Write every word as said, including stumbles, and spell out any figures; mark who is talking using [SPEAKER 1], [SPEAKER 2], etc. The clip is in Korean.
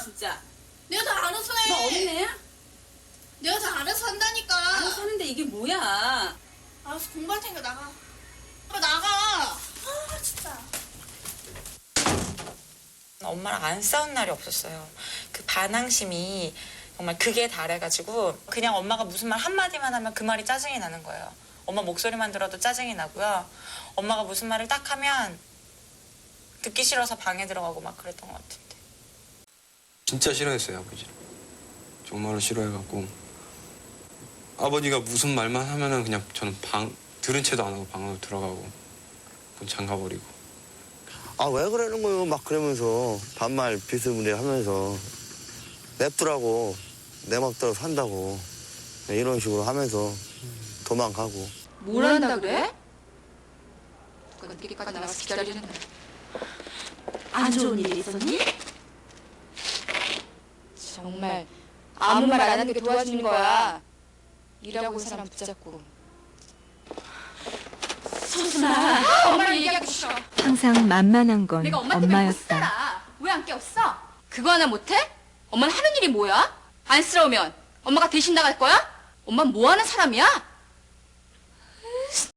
[SPEAKER 1] 진짜.
[SPEAKER 2] 내가 다 알아서 해.
[SPEAKER 1] 너 어린애야?
[SPEAKER 2] 내가 다 알아서 한다니까.
[SPEAKER 1] 알아서 하는데 이게 뭐야?
[SPEAKER 2] 알아서 공부할 테니까 나가. 빨리 나가. 아 진짜.
[SPEAKER 3] 엄마랑 안 싸운 날이 없었어요. 그 반항심이 정말 극에 달해가지고 그냥 엄마가 무슨 말 한마디만 하면 그 말이 짜증이 나는 거예요. 엄마 목소리만 들어도 짜증이 나고요. 엄마가 무슨 말을 딱 하면 듣기 싫어서 방에 들어가고 막 그랬던 것 같은데.
[SPEAKER 4] 진짜 싫어했어요, 아버지를. 정말로 싫어해갖고 아버지가 무슨 말만 하면은 그냥 저는 방 들은 채도 안 하고 방으로 들어가고 문 잠가버리고.
[SPEAKER 5] 아, 왜 그러는 거예요? 막 그러면서 반말 비스무리하면서 냅두라고 내 맘대로 산다고 이런 식으로 하면서 도망가고.
[SPEAKER 6] 뭘 한다 그래? 그건 늦게까지 나가서 기다리는 거야.
[SPEAKER 7] 안 좋은 일이 있었니?
[SPEAKER 6] 정말 아무 말 안 하는 게 도와주는 거야. 일하고 사람 붙잡고.
[SPEAKER 7] 서순아,
[SPEAKER 6] 엄마랑 얘기하기 싫어.
[SPEAKER 8] 항상 만만한 건
[SPEAKER 6] 내가 엄마 때문에 못
[SPEAKER 8] 엄마였다.
[SPEAKER 6] 살아. 왜 안 깨웠어? 그거 하나 못해? 엄마는 하는 일이 뭐야? 안쓰러우면 엄마가 대신 나갈 거야? 엄마 뭐 하는 사람이야?